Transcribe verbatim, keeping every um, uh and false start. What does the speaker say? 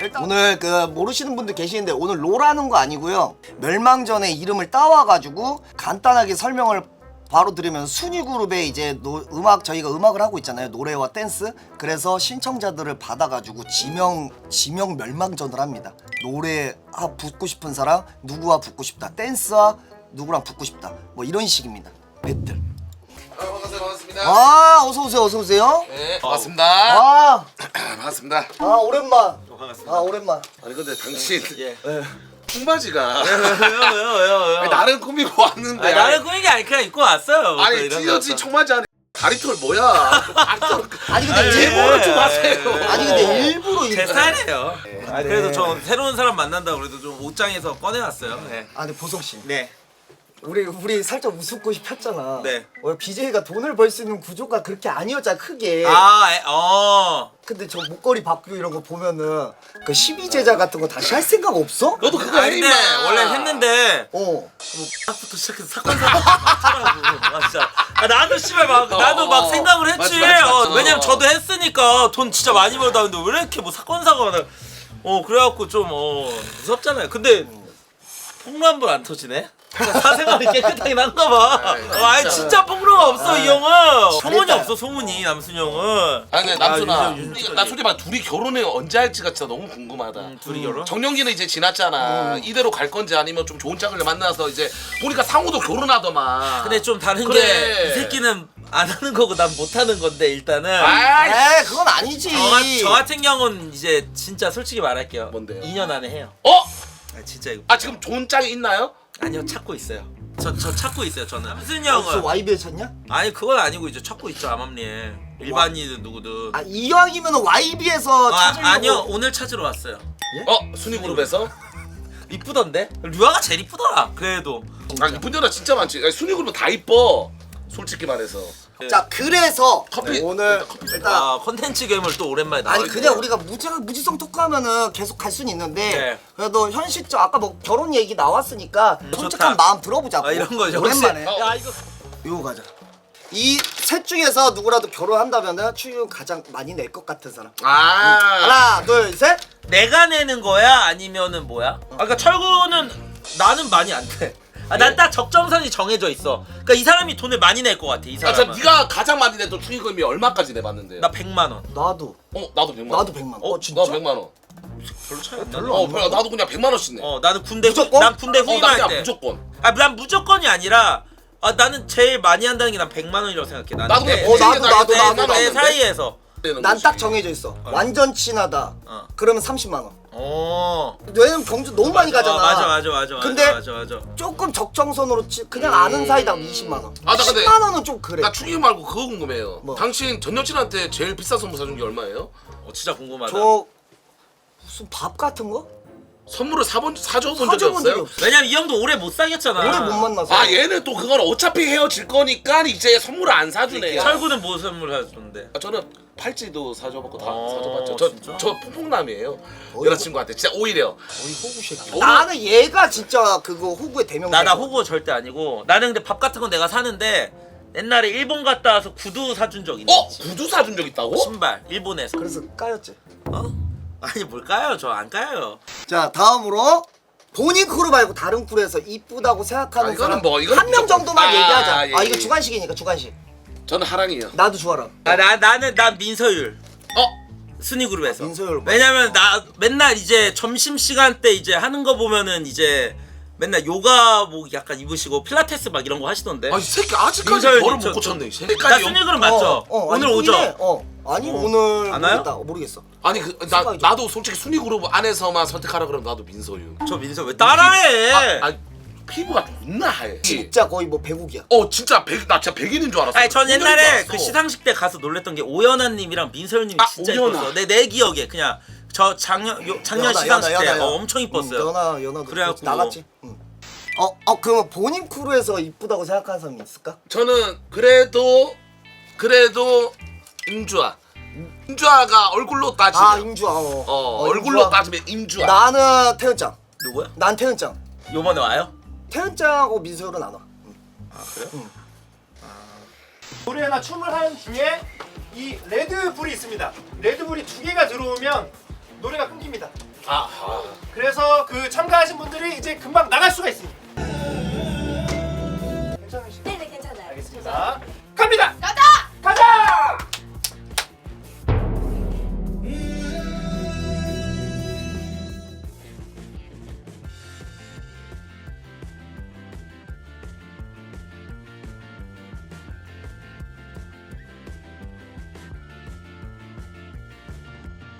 오늘 그 모르시는 분들 계시는데 오늘 롤하는 거 아니고요. 멸망전의 이름을 따와가지고 간단하게 설명을 바로 들으면 순위그룹에 이제 노, 음악 저희가 음악을 하고 있잖아요. 노래와 댄스. 그래서 신청자들을 받아가지고 지명 지명 멸망전을 합니다. 노래 아, 붙고 싶은 사람 누구와 붙고 싶다. 댄스와 누구랑 붙고 싶다. 뭐 이런 식입니다. 배틀. 아, 반갑습니다. 반갑습니다. 아 어서 오세요. 어서 오세요. 네, 반갑습니다. 아, 반갑습니다. 아 오랜만. 반갑습니다. 아 오랜만. 아니 근데 당신 예. 청바지가 왜요 왜요 왜요 왜요? 나를 꾸미고 왔는데 아니, 나를 꾸민 게 아니 그냥 입고 왔어요. 아니 또 이런 찢어진 거. 청바지 안에 다리털 뭐야? 다리털 아니 근데 아니, 일부러 예, 좀 예, 하세요. 예. 아니 근데 일부러 제 일부러. 스타일이에요. 아, 네. 그래도 저 새로운 사람 만난다고 그래도 좀 옷장에서 꺼내왔어요. 네. 아 근데 보성 씨. 네. 우리 우리 살짝 웃음꽃이 폈잖아. 네. 원래 비제이가 돈을 벌 수 있는 구조가 그렇게 아니었잖아 크게. 아, 에, 어. 근데 저 목걸이 바꾸고 이런 거 보면은 그 십이 제자 같은 거 다시 할 생각 없어? 너도 그거 아, 해 근데 임마. 원래 했는데 어. 딱부터 시작해서 사건 사고 하더라고. 아, 진짜. 아, 나도 씨발 막 나도 막 어, 생각을 했지. 맞지, 맞지, 맞지. 어, 왜냐면 저도 했으니까 돈 진짜 많이 벌다 근데 왜 이렇게 뭐 사건 사고가 나. 어 그래갖고 좀 어 무섭잖아요. 근데 폭로 한 번 안 터지네. 사생활이 깨끗하긴 한가 봐. 아이, 어, 아니 진짜 폭로가 없어 이 형은. 소문이 잘했다. 없어 소문이 남순 형은. 아니 근데 남순아, 아, 윤정, 윤정 나 솔직히 말 둘이 결혼을 언제 할지가 진짜 너무 궁금하다. 음, 둘이 결혼? 정년기는 이제 지났잖아. 이대로 갈 건지 아니면 좀 좋은 짝을 만나서 이제 보니까 상우도 결혼하더만. 근데 좀 다른 그래. 게 이 새끼는 안 하는 거고 난 못 하는 건데 일단은. 아이, 에이 그건 아니지. 저, 같- 저 같은 경우는 이제 진짜 솔직히 말할게요. 뭔데요? 이 년 안에 해요. 어? 아, 진짜 이거. 아 지금 좋은 짝이 있나요? 아니요 찾고 있어요. 저 저 찾고 있어요 저는. 남순 무슨 형은 와이비에 쳤냐? 아니 그건 아니고 이제 찾고 있죠 암암리에 일반인은 누구든. 아 이왕이면 와이비에서 아, 찾으려고. 아니요 오늘 찾으러 왔어요. 어? 순위 그룹에서? 이쁘던데? 류아가 제일 이쁘더라. 그래도. 아 이쁜 여자 진짜 많지. 아니, 순위 그룹은 다 이뻐. 솔직히 말해서. 자 그래서 커피. 오늘 일단 커피. 일단 아 컨텐츠 괴물 또 오랜만에 나와. 아니 그냥 우리가 무지, 무지성 토크하면은 계속 갈 수는 있는데 네. 그래도 현실적 아까 뭐 결혼 얘기 나왔으니까 음, 솔직한 좋다. 마음 들어보자고. 아 이런 거 역시. 오랜만에 어. 야 이거. 이거 가자. 이 셋 중에서 누구라도 결혼한다면은 추유 가장 많이 낼 것 같은 사람. 아. 하나 둘 셋. 내가 내는 거야 아니면은 뭐야? 아 그러니까 철구는 나는 많이 안 돼. 아, 난 딱 적정선이 정해져 있어. 그러니까 이 사람이 돈을 많이 낼 것 같아. 이 아, 자, 사람은. 네가 가장 많이 냈던 축의금이 얼마까지 내봤는데요? 나 백만 원. 나도 어, 나도 백만 원. 나도 백만 원. 어 진짜? 나 백만 원. 별로 차이 안 별로 나. 어, 별로, 나도 그냥 백만 원씩 내. 어 나는 군대 후, 무조건? 난 군대 어, 나 후임할 그냥 때. 무조건. 아, 난 무조건이 아니라 아 나는 제일 많이 한다는 게 난 백만 원이라고 생각해. 나는 나도 내, 그냥 어, 나도, 내- 나도, 내- 나도, 내- 나도. 내 내- 사이에서. 되는 난 거지. 딱 정해져 있어. 완전 친하다. 어. 그러면 삼십만 원. 어. 왜냐면 경주 너무 많이 가잖아. 어, 맞아 맞아 맞아. 근데 맞아 맞아. 맞아. 조금 적정선으로 치, 그냥 아는 사이다 이십만 원. 아, 나 근데- 십만 원은 좀 그래. 나 축의금 말고 그거 궁금해요. 뭐? 당신 전 여친한테 제일 비싼 선물 사준 게 얼마예요? 어 진짜 궁금하다. 저 무슨 밥 같은 거? 선물을 사본 사줘 본 적이 사줘본 적이 없어요? 없어. 왜냐면 이 형도 오래 못 사귀었잖아. 오래 못 만나서. 아, 얘는 또 그건 어차피 헤어질 거니까 이제 선물을 안 사주네. 철구는 뭐 선물 사줬는데? 아, 저는 팔찌도 사줘봤고 다 어, 사줘봤죠. 저, 진짜? 저 폭풍남이에요. 어이, 여자친구한테 진짜 오히려. 어이 호구 새끼. 오늘- 나는 얘가 진짜 그거 호구의 대명사. 나 나 호구 절대 아니고 나는 근데 밥 같은 거 내가 사는데 옛날에 일본 갔다 와서 구두 사준 적 있는 어? 지 구두 사준 적 있다고? 신발 일본에서. 그래서 까였지. 어? 아니 뭘 까요? 저 안 까요. 자 다음으로 본인 크루 말고 다른 크루에서 이쁘다고 생각하는 아, 이거는 사람 뭐, 이거는 한 명 무조건- 정도만 아, 얘기하자. 예, 아 이거 예. 주관식이니까 주관식. 저는 하랑이요. 나도 주아라. 아, 나 나는 난 민서율 어? 순위 그룹에서. 민서율 봐. 왜냐면 나 맨날 이제 점심 시간 때 이제 하는 거 보면은 이제 맨날 요가복 약간 입으시고 필라테스 막 이런 거 하시던데. 아, 이 새끼 아직까지 민서율 벌을 저- 못 고쳤네. 이 나 새끼까지. 순위 그룹 맞죠? 어, 어, 오늘 아니, 오죠? 보이네. 어. 아니 어. 오늘 안 와요? 모르겠다. 어, 모르겠어. 아니 그, 나, 순간이죠. 나도 솔직히 순위 그룹 안에서만 선택하라 그러면 나도 민서유. 저 민서 왜 따라해? 아, 아, 피부가 존나 하얘. 진짜 거의 뭐 배국이야. 어 진짜 백, 나 진짜 백인인 줄 알았어. 아니 전 백인인 줄 옛날에 알았어. 그 시상식 때 가서 놀랬던 게 오연아님이랑 민서율님이 아, 진짜 오연아. 이뻤어. 내, 내 기억에 그냥 저 작년 요, 작년 연하, 시상식 연하, 때 연하, 어, 연하. 엄청 이뻤어요. 응, 연하 연하도 그래갖고 나갔지. 응. 어, 어 그러면 본인 크루에서 이쁘다고 생각하는 사람이 있을까? 저는 그래도 그래도 임주아. 임주아가 얼굴로 따지면 아 임주아. 어, 어, 어, 얼굴로 임주아. 따지면 임주아. 나는 태연짱. 누구야? 난 태연짱. 요번에 와요? 태연짱하고 민서율은 안 와. 응. 아 그래요? 노래나 춤을 하는 중에 이 레드불이 있습니다. 레드불이 두 개가 들어오면 노래가 끊깁니다. 아, 아. 그래서 그 참가하신 분들이 이제 금방 나갈 수가 있습니다.